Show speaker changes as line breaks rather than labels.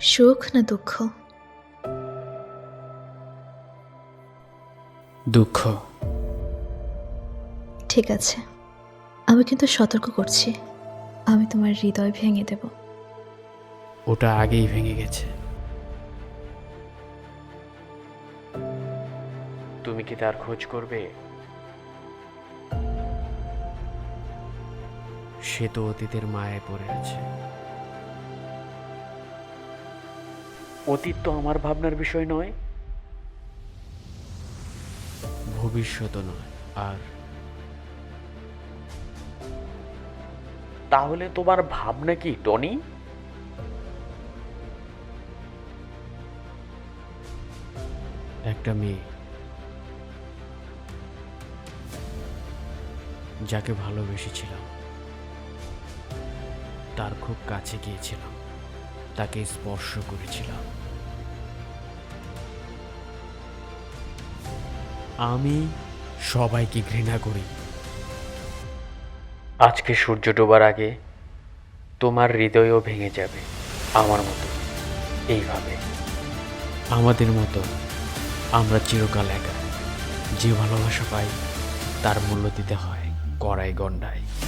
সুখ না দুঃখ?
দুঃখ।
ঠিক আছে, আমি কিন্তু সতর্ক করছি, আমি তোমার হৃদয় ভেঙে দেব।
ওটা আগেই ভেঙে গেছে। তুমি কি তার খোঁজ করবে? সে তো অতীতের মায়ায় পড়ে আছে। অতীত তো আমার ভাবনার বিষয় নয়, ভবিষ্যৎ নয়। আর তাহলে তোমার ভাবনা কি, টনি? একটা মেয়ে, যাকে ভালোবেসেছিলাম, তার খুব কাছে গিয়েছিলাম, তাকে স্পর্শ করেছিলাম। আমি সবাইকে ঘৃণা করি। আজকে সূর্য ডোবার আগে তোমার হৃদয়ও ভেঙে যাবে আমার মতো, এইভাবে। আমাদের মতো আমরা চিরকাল একা। যে ভালোবাসা পাই তার মূল্য দিতে হয় কড়াই গণ্ডায়।